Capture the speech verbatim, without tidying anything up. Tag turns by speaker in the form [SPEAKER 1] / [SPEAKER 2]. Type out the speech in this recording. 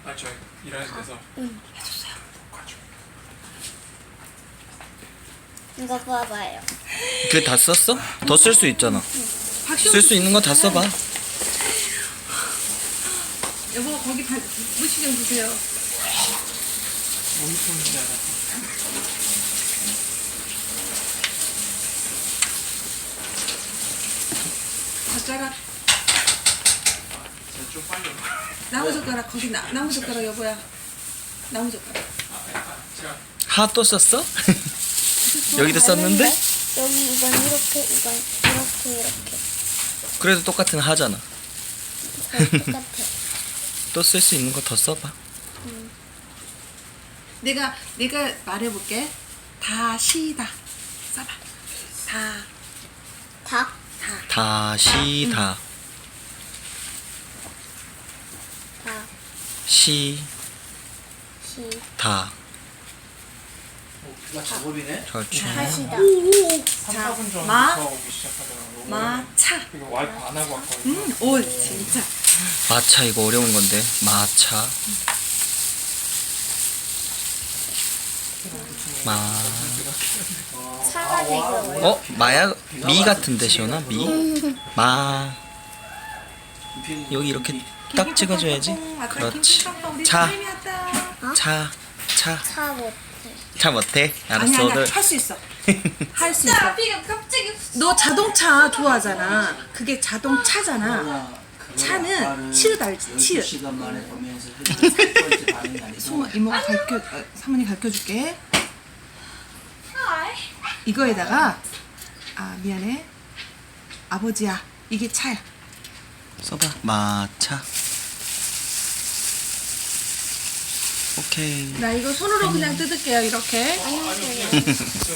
[SPEAKER 1] 아, 저 일하는 데서.
[SPEAKER 2] 응.
[SPEAKER 1] 해줬어요. 가지고.
[SPEAKER 2] 이거 봐봐요.
[SPEAKER 3] 그 다 썼어? 더 쓸 수 있잖아. 쓸 수 있는 거 다 써봐.
[SPEAKER 4] 여보 거기 발, 무시 좀 주세요.
[SPEAKER 1] 몸이 푸는 줄 알았어.
[SPEAKER 4] 젓가락
[SPEAKER 1] 제가 좀 빨리.
[SPEAKER 4] 나무 젓가락 거기 나, 나무 젓가락 여보야. 나무 젓가락.
[SPEAKER 1] 아, 약간 제가
[SPEAKER 3] 하 또 썼어? 여기도 썼는데?
[SPEAKER 2] 여기 이건 이렇게, 이건 이렇게, 이렇게.
[SPEAKER 3] 그래도 똑같은 하잖아.
[SPEAKER 2] 거의 똑같아.
[SPEAKER 3] 또 쓸 수 있는 거 더 써봐.
[SPEAKER 4] 내가 내가 말해볼게. 다시다. 써봐. 다.
[SPEAKER 2] 닭,
[SPEAKER 4] 다.
[SPEAKER 3] 다시 다.
[SPEAKER 2] 닭,
[SPEAKER 3] 시
[SPEAKER 2] 시,
[SPEAKER 3] 다.
[SPEAKER 1] 나 작업이네.
[SPEAKER 3] 그렇지.
[SPEAKER 2] 다시다.
[SPEAKER 4] 오오.
[SPEAKER 1] 삼,
[SPEAKER 4] 자,
[SPEAKER 1] 사 분 전부터
[SPEAKER 4] 마,
[SPEAKER 1] 오기 시작하더라고.
[SPEAKER 4] 마차.
[SPEAKER 1] 이거 와이프 안 하고 왔거든요.
[SPEAKER 4] 음, 오 진짜.
[SPEAKER 3] 마차 이거 어려운 건데. 마차. 마.
[SPEAKER 2] 차가 되게 어려워.
[SPEAKER 3] 어? 마야 미 같은데 시원아? 미? 마. 여기 이렇게 딱 찍어줘야지. 그렇지. 차. 차. 차.
[SPEAKER 2] 차 못해.
[SPEAKER 3] 차 못해?
[SPEAKER 4] 아니
[SPEAKER 3] 알았어.
[SPEAKER 4] 아니야
[SPEAKER 3] 오늘
[SPEAKER 4] 할 수 있어. 할 수 있어. 너 자동차 좋아하잖아. 그게 자동차잖아. 차는 치읓 알지? 치읓.
[SPEAKER 5] 시간 만에 보면서 첫 번째 반응이 아니고
[SPEAKER 4] 소모 이모가 가르쳐 어, 사모님 가르쳐 줄게. 이거에다가 아 미안해. 아버지야 이게 차야.
[SPEAKER 3] 써봐. 마차. 오케이.
[SPEAKER 4] 나 이거 손으로 그냥 뜯을게요 이렇게.
[SPEAKER 2] 안녕하세요.